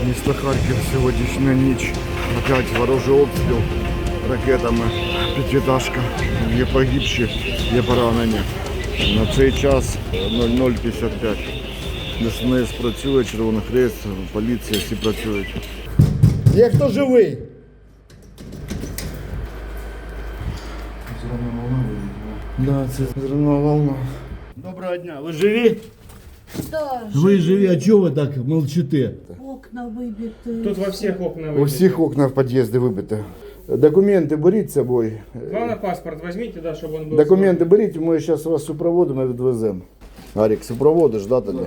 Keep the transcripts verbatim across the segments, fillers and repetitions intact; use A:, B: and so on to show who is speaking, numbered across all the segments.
A: Місто Харків, сьогоднішня ніч. Опять ворожий обстріл ракетами. П'ятиэтажка. Є погибші, є поранені. На цей час нуль нуль п'ятдесят п'ять. ДСНС працює, Червоний Хрест, поліція, всі працюють.
B: Є хто живий?
A: Зелена волна вилетіла.
B: Да, це зерна волна. Доброго дня, ви живі?
C: Да,
B: Ви живі, а чого ви так мовчите?
C: окна выбиты.
D: Тут во всех окна
A: У
D: выбиты.
A: всіх окна в під'їзді вибито. Документи беріть з собою.
D: Главное, паспорт возьмите, да, чтобы он был.
A: Документи беріть, ми зараз вас супроводимо і відвеземо. Арік, супроводиш, да, тоді?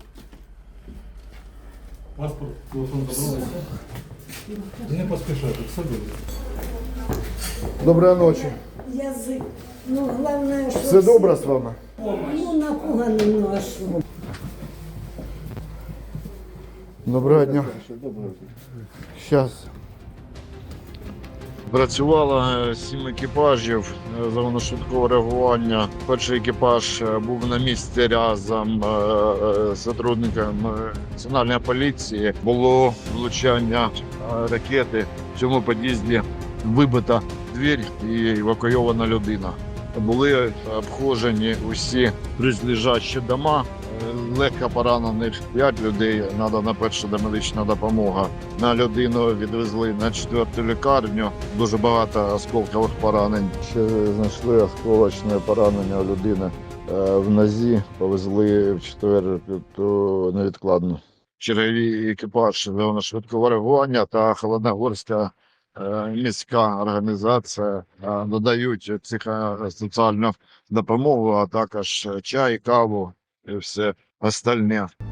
E: Паспорт, телефон забрали. Не поспішай, тут все добре.
A: Доброї ночі.
C: Язык. Ну, главное, что...
A: Все добре з вами?
C: Ну, напуганный ношу.
A: Доброго дня. Щас. Працювало сім екіпажів загальношвидкого реагування. Перший екіпаж був на місці разом з сотрудниками національної поліції. Було влучання ракети. В цьому під'їзді вибита двір і евакуйована людина. Були обходжені усі близлежащі дома. Легко поранених п'ять людей, треба на перша домедична допомога. На людину відвезли на четверту лікарню, дуже багато осколкових поранень. Ще знайшли осколочне поранення у людини в нозі, повезли в четверту невідкладну. Черговий екіпаж загальношвидкого реагування та Холодногорська міська організація надають психосоціальну допомогу, а також чай, каву і все остальне.